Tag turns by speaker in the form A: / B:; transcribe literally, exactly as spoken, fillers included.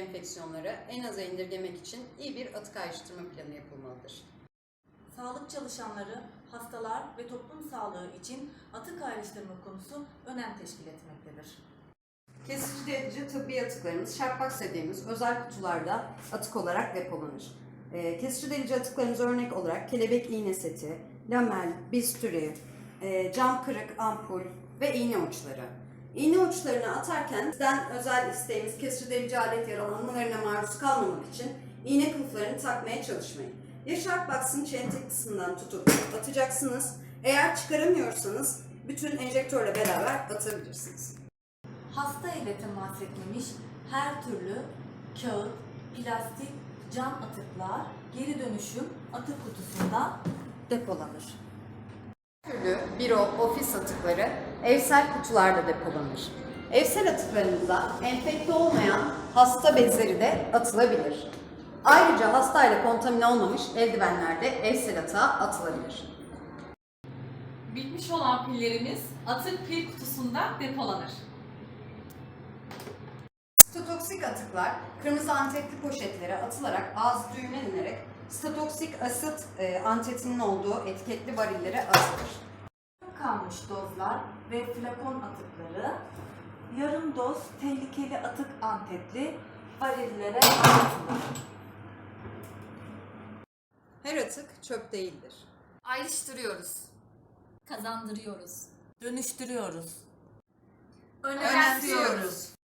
A: enfeksiyonları en aza indirgemek için iyi bir atık ayrıştırma planı yapılmalıdır.
B: Sağlık çalışanları, hastalar ve toplum sağlığı için atık ayrıştırma konusu önem teşkil etmektedir.
A: Kesici delici tıbbi atıklarımız şarpak dediğimiz özel kutularda atık olarak depolanır. E, kesici delici atıklarımız örnek olarak kelebek iğne seti, lamel, bisturi, e, cam kırık, ampul ve iğne uçları. İğne uçlarını atarken bizden özel isteğimiz kesici delici alet yaralanmalarına maruz kalmamak için iğne kılıflarını takmaya çalışmayın. Ya Sharkbox'ın çentik kısmından tutup atacaksınız. Eğer çıkaramıyorsanız bütün enjektörle beraber atabilirsiniz.
B: Hasta ile temas etmemiş her türlü kağıt, plastik, cam atıklar geri dönüşüm atık kutusunda depolanır.
A: Türlü büro, ofis atıkları evsel kutularda depolanır. Evsel atıklarınıza enfekte olmayan hasta bezleri de atılabilir. Ayrıca hastayla kontamine olmamış eldivenler de evsel atığa atılabilir.
C: Bitmiş olan pillerimiz atık pil kutusunda depolanır.
A: Sitotoksik atıklar kırmızı antetli poşetlere atılarak ağzı düğümlenerek sitotoksik asit e, antetinin olduğu etiketli varillere atılır.
B: Kalmış dozlar ve flakon atıkları yarım doz tehlikeli atık antetli varillere atılır.
A: Her atık çöp değildir.
D: Ayrıştırıyoruz. Kazandırıyoruz.
B: Dönüştürüyoruz.
D: Önemsiyoruz.